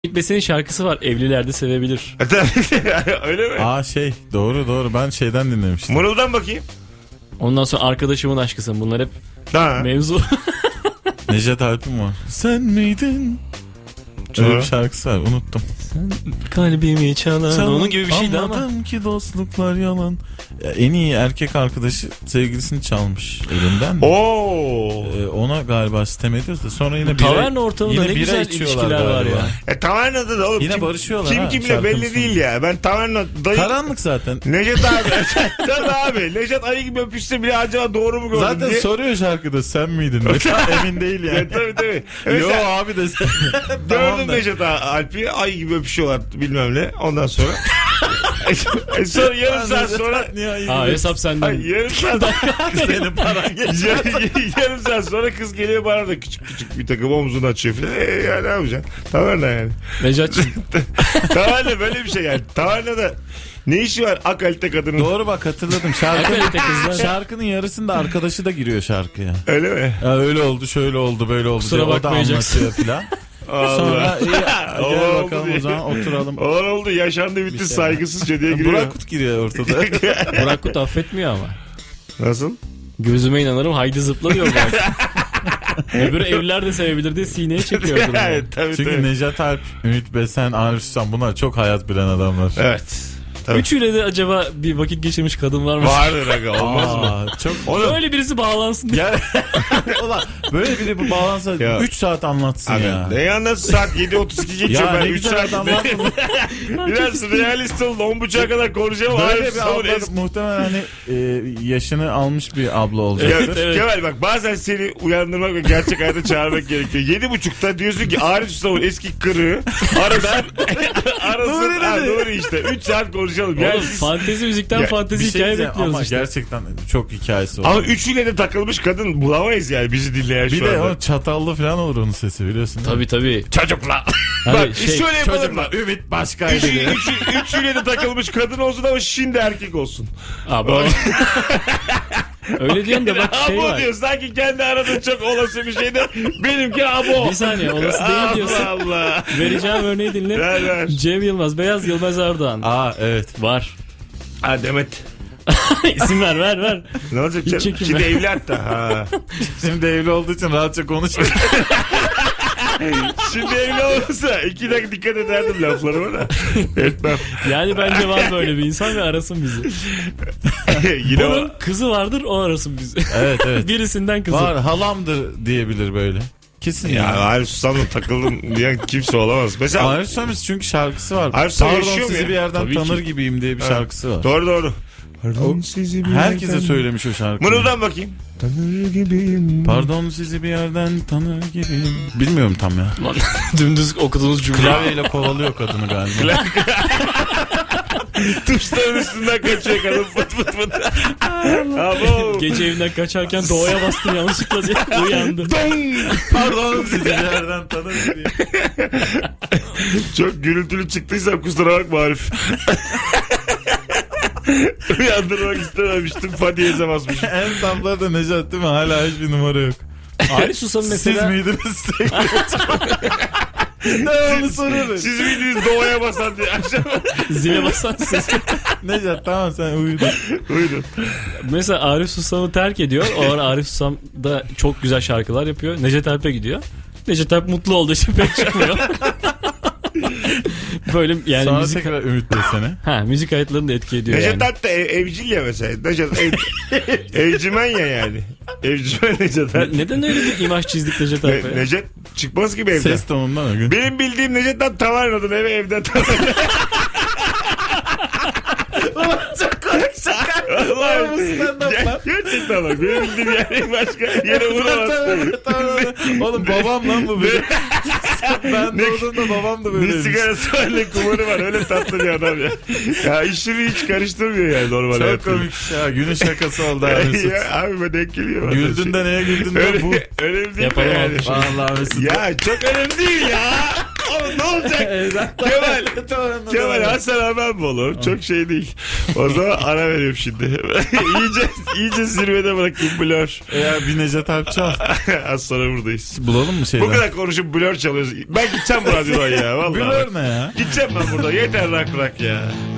Besen'in şarkısı var. Evlilerde sevebilir. Öyle mi? Doğru ben şeyden dinlemiştim. Mırıldan bakayım. Ondan sonra arkadaşımın aşkısın. Bunlar hep mevzu. Necdet Alp'in var. Sen miydin? Öyle bir şarkısı var, unuttum. Kalbimi çalan. Onun gibi bir şeydi ama. Anladım ki dostluklar yalan. Ya, en iyi erkek arkadaşı sevgilisini çalmış elinden. Ona galiba sitem ediyoruz da sonra yine taverna ortamında ne güzel ilişkiler var ya. Tavernada da oğlum. Yine barışıyorlar kim ha, kimle belli değil ya. Ben taverna dayı. Karanlık zaten. Necdet abi. Tabii abi. Necdet ayı gibi öpüşse bile acaba doğru mu gördün zaten diye. soruyor şarkıda sen miydin? Emin değil yani. Tabii. Yo abi de sen. Gördüm Necdet Alp'i ayı gibi öpüşüyorlar bilmem ne. Ondan sonra. Sonra yarım saat sonra. Hesap senden. Yarım saat. Senin paran geçer. Yarım saat sonra kız geliyor bana da küçük bir takım omzunu açıyor falan. Ya ne yapacaksın? Taverna yani. Necat'cığım. Taverna böyle bir şey yani. Tavernada ne işi var akalite kadının? Doğru bak hatırladım. Şarkının yarısında arkadaşı da giriyor şarkıya. Öyle mi? Ya öyle oldu, şöyle oldu, böyle oldu. Kusura diye o da bakmayacaksın. anlatıyor filan. Sonra gel bakalım o zaman oturalım. Olan oldu yaşandı bitti saygısızca diye giriyor. Burak Kut giriyor ortada. Burak Kut affetmiyor ama. Nasıl? Gözüme inanırım haydi zıpla diyor Burak. Öbürü evliler de sevebilir diye sineye çekiyordu. Evet, tabii. Çünkü Necdet Alp, Ümit Besen, Arif Susam bunlar çok hayat bilen adamlar. Evet. Tabii. Üçüyle de acaba bir vakit geçirmiş kadın var mı? Vardır aga olmaz mı? Çok Öyle birisi bağlansın diye. Ulan böyle biri bu bağlansa 3 saat anlatsın Abi, ya. ne anlatsın saat 7.32 geçiyor Ya ben ne 3 güzel saat. adam var mı? Biraz realist olun 10.30'a kadar konuşacağım. Böyle bir abla muhtemelen hani yaşını almış bir abla olacak. Evet. Kemal bak bazen seni uyandırmak ve gerçek hayata çağırmak gerekiyor. 7.30'da diyorsun ki Arif Susav'ın eski kırığı arasın. Nuri işte 3 saat konuşalım. Oğlum, fantezi müzikten fantezi hikaye bekliyoruz ama işte. gerçekten çok hikayesi var. Ama üçüyle de takılmış kadın bulamayız yani bizi dinleyen Bir şu de anda. o çatallı falan olur onun sesi biliyorsun. Tabii. Çocukla. Hani Bak şöyle yapalım mı? Ümit başkaydı. Üçüyle de takılmış kadın olsun ama şimdi erkek olsun. Abi öyle diyorsun da bak şey abo var. diyor sanki kendi aradığın çok olası bir şey de benimki abo. Bir saniye olası değil diyorsun. Allah. Vereceğim örneği dinle. Ver. Cem Yılmaz, Beyaz Yılmaz Erdoğan. Evet. Var. Ha Demet. İsim ver. Ne olacak canım? çekinme. Şimdi evli hatta. Ha. Şimdi evli olduğu için rahatça konuşuyor. Şimdi evli olursa 2 dakika dikkat ederdim laflarıma da. Etmem. Yani bence var böyle bir insan ve arasın bizi. Yine Bunun kızı vardır o arasın bizi. Evet. Birisinden kızı. Var halamdır diyebilir böyle. Kesin ya. ya. Arif Susam'la takıldın diyen kimse olamaz. Mesela Arif Susam çünkü şarkısı var. Arif Susam Pardon yaşıyor mu sizi ya? bir yerden Tabii tanır ki. gibiyim diye bir şarkısı var. Doğru. Pardon sizi bir Herkese yerden... söylemiş o şarkıyı. Mırıldan bakayım. Tanır gibiyim. Pardon sizi bir yerden tanır gibiyim. Bilmiyorum tam ya. Lan, dümdüz okuduğunuz cümle. Klavyeyle kovalıyor kadını galiba. Tuşların üstünden kaçıyor kadın fıt. Abo. Gece evinden kaçarken doğaya bastım yanlışlıkla diye uyandım. Pardon sizi bir yerden tanır gibiyim. Çok gürültülü çıktıysam kusura bakma Arif. Uyandırmak istememiştim. Fadiyeze basmışım. En sapları da Nejat değil mi? Hala hiçbir numara yok. Arif Susam mesela. Siz miydiniz? Ne onu soruyorum. Siz miydiniz doğaya basan diye akşam Zile basan ses. Nejat tamam sen uyudun. uyudun. Mesela Arif Susam'ı terk ediyor. O ara Arif Susam da çok güzel şarkılar yapıyor. Necdet Alp'e gidiyor. Necdet Alp mutlu olduğu için pek çıkmıyor. Böyle yani Sonra müzik... tekrar Ümit Besen'e. Müzik kayıtlarını da etki ediyor Necdet yani. Alp de evcil ya mesela. Necdet evcimen ya yani. Evcimen Necdet Alp. Neden öyle bir imaj çizdik Necdet Alp'e? Necdet çıkmaz gibi evden. Ses tonundan o gün. Benim bildiğim Necdet Alp tavarnadan evden tavarnadan. Çok komik şaka. Gerçekten bak benim bildiğim yere başka yere vuramaz. Oğlum babam lan bu benim. Ben doğduğumda babam da Ne böyleymiş. sigarası var ne kumarı var öyle tatlı bir adam ya. Ya işini hiç karıştırmıyor yani normal Çok hayatında. komik ya. Günün şakası oldu abi Mesut. Ya abi ben denk geliyor. Güldün de neye güldün de bu. Önemli değil Yapalım mi yani? alkış. Vallahi Mesut. Ya çok önemli değil ya. Oğlum ne olacak? Kemal Hasan Haber mi olur? Çok şey değil. O zaman ara veriyorum şimdi. iyice zirvede bırakayım Blur. Bir Necdet Alp çal. Az sonra buradayız. Bulalım mı şeyler? Bu kadar konuşup Blur çalıyoruz. Ben gideceğim bu radyodan ya. Vallahi. Blur ne ya? Gideceğim ben burada. Yeter rock ya.